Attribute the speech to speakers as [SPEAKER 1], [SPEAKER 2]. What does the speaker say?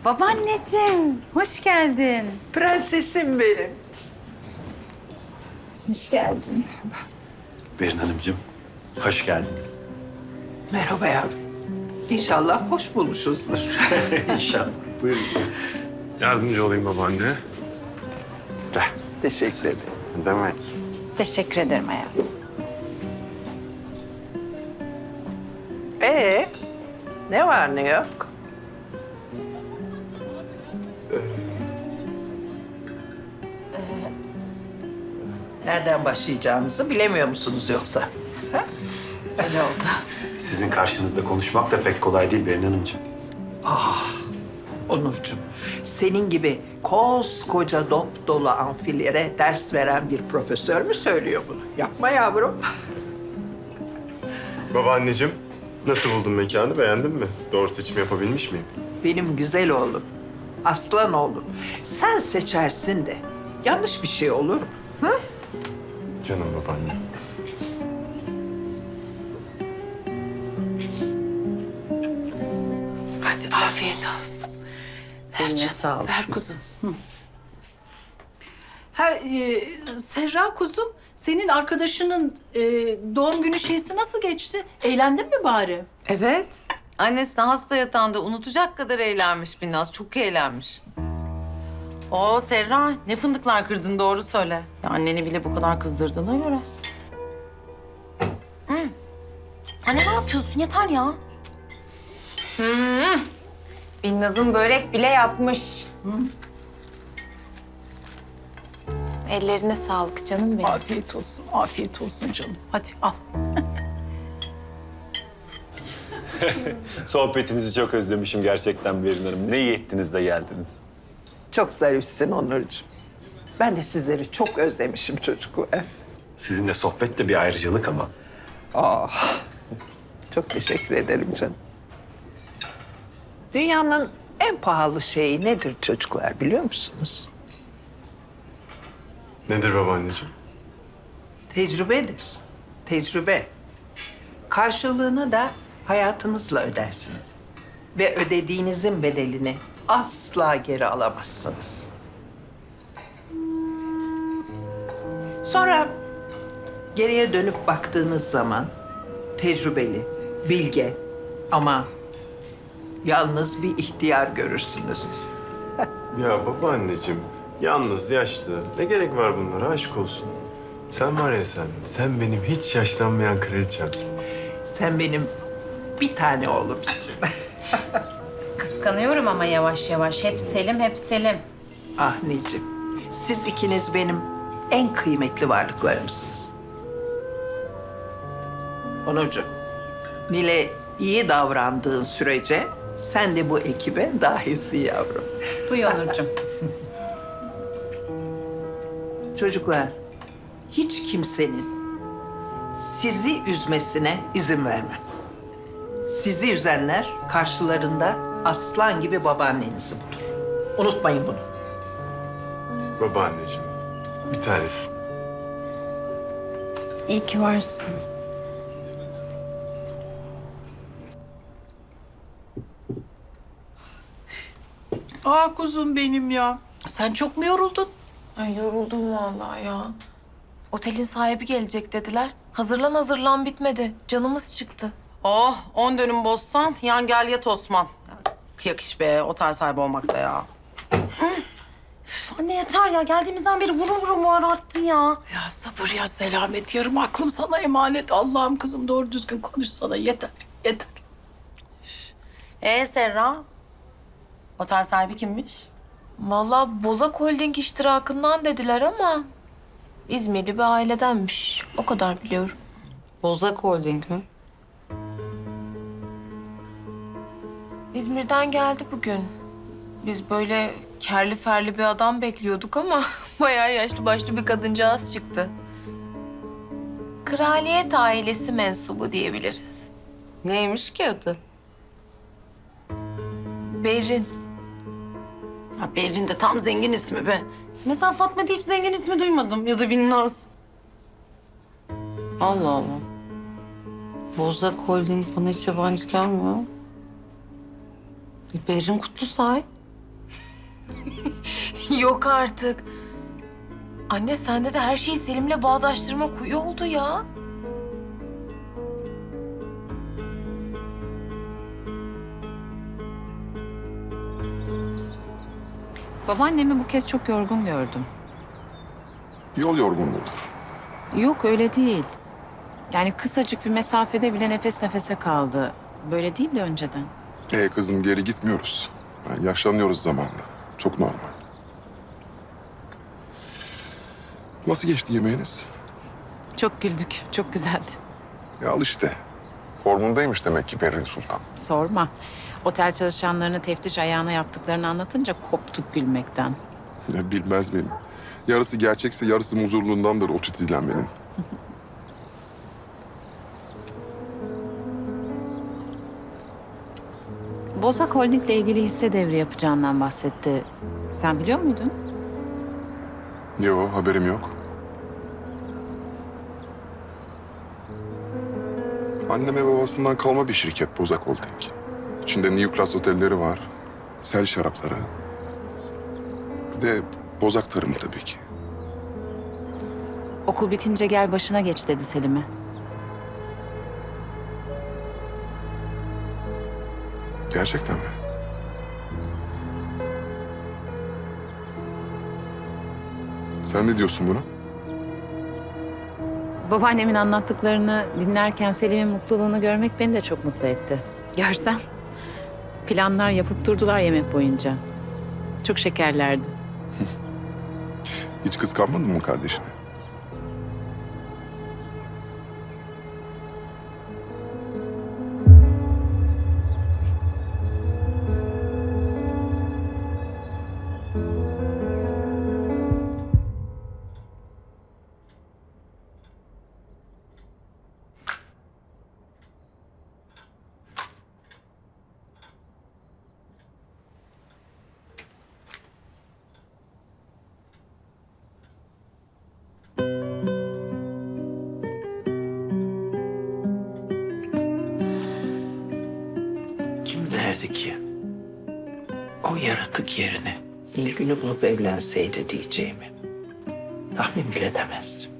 [SPEAKER 1] Babaanneciğim, hoş geldin.
[SPEAKER 2] Prensesim benim.
[SPEAKER 1] Hoş geldin.
[SPEAKER 3] Berin Hanımcığım, hoş geldiniz.
[SPEAKER 2] Merhaba yavrum. İnşallah hoş bulmuşuzdur.
[SPEAKER 3] İnşallah. Buyurun.
[SPEAKER 4] Yardımcı olayım babaanne.
[SPEAKER 2] Teşekkür ederim.
[SPEAKER 4] Demek.
[SPEAKER 1] Teşekkür ederim hayatım.
[SPEAKER 2] Ne var ne yok? Nereden başlayacağınızı bilemiyor musunuz yoksa? Ha?
[SPEAKER 1] Öyle oldu.
[SPEAKER 3] Sizin karşınızda konuşmak da pek kolay değil Berin Hanımcığım.
[SPEAKER 2] Onurcuğum, senin gibi koskoca dop dolu amfilere ders veren bir profesör mü söylüyor bunu? Yapma yavrum.
[SPEAKER 4] Babaanneciğim, nasıl buldun mekanı? Beğendin mi? Doğru seçim yapabilmiş miyim?
[SPEAKER 2] Benim güzel oğlum, aslan oğlum. Sen seçersin de yanlış bir şey olur mu?
[SPEAKER 4] Canım babaanne.
[SPEAKER 5] Hadi afiyet olsun.
[SPEAKER 1] Eline sağlık.
[SPEAKER 5] Ver kuzum. Serra kuzum, senin arkadaşının doğum günü şeysi nasıl geçti? Eğlendin mi bari?
[SPEAKER 6] Evet. Annesi de hasta yatağında unutacak kadar eğlenmiş Binnaz. Çok eğlenmiş.
[SPEAKER 7] Oo Serra, ne fındıklar kırdın doğru söyle. Ya anneni bile bu kadar kızdırdığına göre. Anne ne yapıyorsun? Yeter ya.
[SPEAKER 1] Binnaz'ın börek bile yapmış. Ellerine sağlık canım benim.
[SPEAKER 5] Afiyet olsun canım. Hadi al.
[SPEAKER 3] Sohbetinizi çok özlemişim gerçekten Berin Hanım. Ne iyi ettiniz de geldiniz.
[SPEAKER 2] Çok zarifsin Onurcuğum. Ben de sizleri çok özlemişim çocuklar.
[SPEAKER 3] Sizinle sohbet de bir ayrıcalık ama.
[SPEAKER 2] Çok teşekkür ederim canım. Dünyanın en pahalı şeyi nedir çocuklar biliyor musunuz?
[SPEAKER 4] Nedir babaanneciğim?
[SPEAKER 2] Tecrübedir. Tecrübe. Karşılığını da hayatınızla ödersiniz. Ve ödediğinizin bedelini asla geri alamazsınız. Sonra geriye dönüp baktığınız zaman tecrübeli, bilge ama yalnız bir ihtiyar görürsünüz.
[SPEAKER 4] Ya babaanneciğim, yalnız, yaşlı. Ne gerek var bunlara? Aşk olsun. Sen var ya sen, sen benim hiç yaşlanmayan kraliçemsin.
[SPEAKER 2] Sen benim bir tane oğlumsun.
[SPEAKER 1] Kıskanıyorum ama yavaş yavaş. Hep Selim, hep Selim.
[SPEAKER 2] Ah Nilcim, siz ikiniz benim en kıymetli varlıklarımsınız. Onurcuğum, Nil'e iyi davrandığın sürece sen de bu ekibe dahilsin yavrum.
[SPEAKER 1] Duy Onurcuğum.
[SPEAKER 2] Çocuklar, hiç kimsenin sizi üzmesine izin vermem. Sizi üzenler karşılarında aslan gibi babaannenizi bulur. Unutmayın bunu.
[SPEAKER 4] Babaanneciğim, bir tanesin.
[SPEAKER 1] İyi ki varsın.
[SPEAKER 5] Kuzum benim ya. Sen çok mu yoruldun?
[SPEAKER 6] Ay yoruldum vallahi ya. Otelin sahibi gelecek dediler. Hazırlan bitmedi. Canımız çıktı.
[SPEAKER 7] Oh, 10 dönüm bostan, yan gel yat Osman. Kıyak iş be, otel sahibi olmak da ya. Üf, anne yeter ya, geldiğimizden beri vuru mu arttın ya.
[SPEAKER 5] Ya sabır ya selamet. Yarım aklım sana emanet. Allah'ım kızım doğru düzgün konuş sana. Yeter.
[SPEAKER 7] Serra, otel sahibi kimmiş?
[SPEAKER 6] Vallahi Bozak Holding iştirakından dediler ama İzmirli bir ailedenmiş. O kadar biliyorum.
[SPEAKER 7] Bozak Holding mi?
[SPEAKER 6] İzmir'den geldi bugün. Biz böyle kerli ferli bir adam bekliyorduk ama bayağı yaşlı başlı bir kadıncağız çıktı. Kraliyet ailesi mensubu diyebiliriz.
[SPEAKER 7] Neymiş ki adı?
[SPEAKER 6] Berrin.
[SPEAKER 7] Ya Berrin de tam zengin ismi be. Mesela Fatma'da hiç zengin ismi duymadım ya da Binnaz.
[SPEAKER 8] Allah Allah. Bozak Holding bana hiç yabancı gelmiyor.
[SPEAKER 7] Berrin Kutlusay.
[SPEAKER 6] Yok artık. Anne sende de her şeyi Selim'le bağdaştırma kuyu oldu ya.
[SPEAKER 1] Babaannemi bu kez çok yorgun gördüm.
[SPEAKER 9] Yol yorgunluğudur.
[SPEAKER 1] Yok öyle değil. Yani kısacık bir mesafede bile nefes nefese kaldı. Böyle değildi önceden.
[SPEAKER 9] Kızım geri gitmiyoruz. Yani yaşlanıyoruz zamanla. Çok normal. Nasıl geçti yemeğiniz?
[SPEAKER 1] Çok güldük, çok güzeldi.
[SPEAKER 9] Al işte. Formundaymış demek ki Berrin Sultan.
[SPEAKER 1] Sorma. Otel çalışanlarını teftiş ayağına yaptıklarını anlatınca koptuk gülmekten.
[SPEAKER 9] Ya bilmez miyim? Yarısı gerçekse yarısı muzurluğundandır o titizlenmenin.
[SPEAKER 1] Bozak Holding'le ilgili hisse devri yapacağından bahsetti. Sen biliyor muydun?
[SPEAKER 9] Yo, haberim yok. Anneme babasından kalma bir şirket Bozak Holding. İçinde New Class otelleri var. Sel şarapları. Bir de Bozak tarımı tabii ki.
[SPEAKER 1] Okul bitince gel başına geç dedi Selim'e.
[SPEAKER 9] Gerçekten mi? Sen ne diyorsun buna?
[SPEAKER 1] Babaannemin anlattıklarını dinlerken Selim'in mutluluğunu görmek beni de çok mutlu etti. Görsen planlar yapıp durdular yemek boyunca. Çok şekerlerdi.
[SPEAKER 9] Hiç kıskanmadın mı kardeşini?
[SPEAKER 2] Kim derdi ki o yaratık yerine Nilgün'ü bulup evlenseydi diyeceğimi tahmin bile edemezdim.